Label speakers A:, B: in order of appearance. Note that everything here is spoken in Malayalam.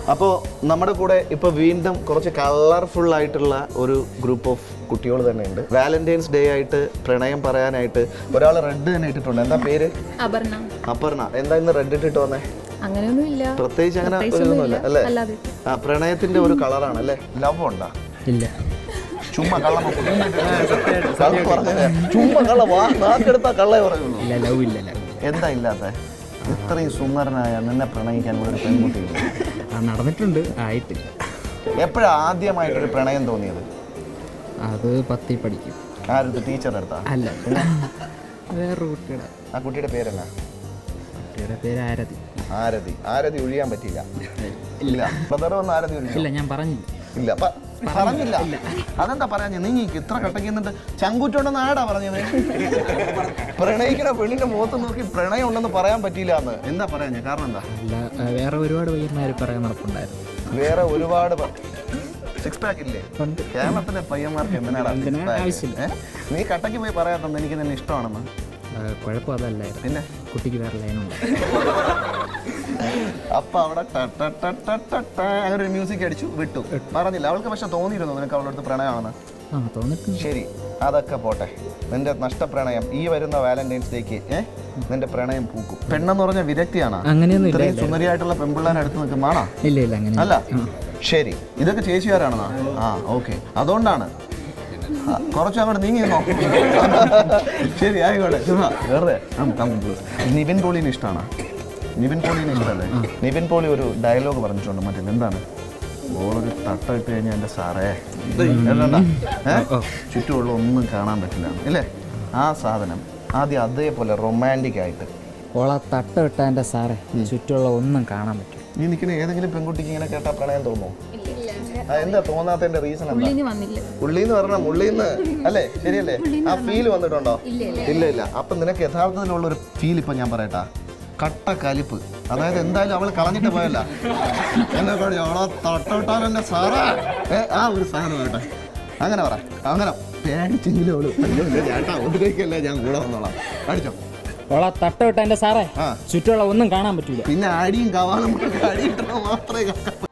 A: അപ്പോൾ നമ്മുടെ കൂടെ ഇപ്പോൾ വീണ്ടും കുറച്ച് കളർഫുൾ ആയിട്ടുള്ള ഒരു ഗ്രൂപ്പ് ഓഫ് കുട്ടികൾ തന്നെയുണ്ട്. വാലന്റൈൻസ് ഡേ ആയിട്ട് പ്രണയം പറയാനായിട്ട് ഒരാൾ റെഡ് തന്നെ ഇട്ടിട്ടുണ്ട്. എന്താ പേര്? അപർണ. എന്താ ഇന്ന് റെഡ് ഇട്ടിട്ട് വന്നേ?
B: അങ്ങനെയൊന്നുമില്ല,
A: പ്രത്യേകിച്ച് അങ്ങനെ ഒന്നുമില്ല അല്ലേ? ആ പ്രണയത്തിന്റെ ഒരു കളറാണ് അല്ലേ? ലവ് ഉണ്ടാ? ഇല്ല, ചുമ്മാ കള്ളം ചുമ്മാ കള്ള നാക്കെടുത്താ കള്ളേ പറയുള്ളൂ. എന്താ ഇല്ലാത്ത? ഇത്രയും സുന്ദരനായ നിന്നെ പ്രണയിക്കാൻ ഒരു പെൺകുട്ടി
C: നടന്നിട്ടുണ്ട്, ആയിട്ടില്ല.
A: എപ്പോഴാ ആദ്യമായിട്ടൊരു പ്രണയം തോന്നിയത്?
C: അത് 10ൽ പഠിക്കും.
A: ആരുടെ? ടീച്ചറുടെ അടുത്താ?
C: അല്ല, വേറൊരു കുട്ടിയുടെ.
A: ആ കുട്ടിയുടെ പേരെന്നാ?
C: കുട്ടിയുടെ പേര് ആരതി.
A: ആരതി. ആരതി ഒഴിയാൻ പറ്റില്ല. ഇല്ല, ബ്രദർ വന്ന് ആരതി ഒഴിയില്ല.
C: ഇല്ല, ഞാൻ പറഞ്ഞില്ല.
A: ഇല്ല, പറഞ്ഞില്ല. അതെന്താ പറയാ? നീ ഇത്ര കട്ടക്ക് എന്നിട്ട് ചങ്കൂറ്റുണ്ടെന്ന് ആടാ പറഞ്ഞത്? പ്രണയിക്കണ പെണ്ണിന്റെ മുഖത്ത് നോക്കി പ്രണയം ഉണ്ടെന്ന് പറയാൻ പറ്റിയില്ല എന്ന് എന്താ പറയാ? കാരണം എന്താ?
C: അല്ല, വേറെ ഒരുപാട് പയ്യന്മാർ പറയാൻ നടപ്പുണ്ടായിരുന്നു.
A: വേറെ ഒരുപാട് സിക്സ് പാക്ക് ഇല്ലേ കേരളത്തിലെ പയ്യന്മാർക്ക്? എന്തിനാടാ ആവശ്യമില്ല. നീ കട്ടക്ക് പോയി പറയാത്തത് എനിക്ക് നിന്നെ ഇഷ്ടമാണെന്ന്?
C: കുഴപ്പം അതല്ലായിരുന്നു,
A: പിന്നെ
C: കുട്ടിക്ക് വേറെ ലൈനുണ്ട്.
A: അപ്പൊ അവിടെ അങ്ങനെ ഒരു മ്യൂസിക് അടിച്ചു വിട്ടു. പറഞ്ഞില്ല അവൾക്ക്? പക്ഷെ തോന്നിയിരുന്നു നിനക്ക് അവളുടെ അടുത്ത് പ്രണയമാണെന്ന്?
C: തോന്നിട്ടുണ്ട്.
A: ശരി, അതൊക്കെ പോട്ടെ. നിന്റെ നഷ്ടപ്രണയം ഈ വരുന്ന വാലന്റൈൻസ് ഡേക്ക് നിന്റെ പ്രണയം പൂക്കും. പെണ്ണെന്ന് പറഞ്ഞ വിരക്തിയാണ്?
C: അങ്ങനെയൊന്നും ഇല്ല.
A: സുന്ദരിയായിട്ടുള്ള പെൺപിള്ളേരെ അടുത്ത് നിൽക്കുമാണോ?
C: ഇല്ല ഇല്ല, അങ്ങനെ
A: അല്ല. ശരി, ഇതൊക്കെ ചേച്ചിയാരാണെന്നാ? ആ, ഓക്കെ, അതുകൊണ്ടാണ്. കുറച്ച് അങ്ങോട്ട് നീങ്ങിന്നോ? ശരി, ആയിക്കോട്ടെ. ചുമ്മാ വെറുതെ. നിവിൻ പോളിനെ ഇഷ്ടമാണ്? നിവിൻ പോളിനെ ഇഷ്ടമല്ലേ? നിവിൻ പോളി ഒരു ഡയലോഗ് പറഞ്ഞിട്ടുണ്ട് മറ്റേ, എന്താണ്? ഓളൊരു തട്ട ഇട്ട് കഴിഞ്ഞാൽ എൻ്റെ സാറേ ചുറ്റുമുള്ള ഒന്നും കാണാൻ പറ്റില്ല ഇല്ലേ? ആ സാധനം ആദ്യം അതേപോലെ റൊമാൻറ്റിക് ആയിട്ട്
C: ഓളെ തട്ട ഇട്ട എൻ്റെ സാറേ ചുറ്റുമുള്ള ഒന്നും കാണാൻ പറ്റും.
A: നീ നിൽക്കുന്ന ഏതെങ്കിലും പെൺകുട്ടിക്ക് ഇങ്ങനെ കേട്ടാ പ്രണയം തോന്നുമോ? എന്താ തോന്നാത്തതിന്റെ റീസൺ എന്താ? ഉള്ളിന്ന് പറഞ്ഞ ഉള്ളിന്ന് അല്ലേ? ശരിയല്ലേ? ആ ഫീൽ വന്നിട്ടുണ്ടോ? ഇല്ല ഇല്ല. അപ്പൊ നിനക്ക് യഥാർത്ഥത്തിലുള്ള ഒരു ഫീൽ ഇപ്പൊ ഞാൻ പറയട്ടാ, കട്ട കലിപ്പ്. അതായത് എന്തായാലും അവൾ കളഞ്ഞിട്ട് പോയല്ല, എന്നെ അവളെ തട്ടോട്ടാൻ എന്റെ സാറാ ആ ഒരു സാധനം കേട്ടെ. അങ്ങനെ പറ. അങ്ങനെ പേടിച്ചെങ്കിലും അവള് ചേട്ടാ ഒന്നിലേക്കല്ലേ ഞാൻ കൂടെ വന്നോളാം. അടിച്ചോ?
C: ഓളെ തട്ട വിട്ട എൻ്റെ സാറേ ചുറ്റുമുള്ള ഒന്നും കാണാൻ പറ്റൂല.
A: പിന്നെ അടിയും കവാളും അടിയിട്ടോ മാത്രമേ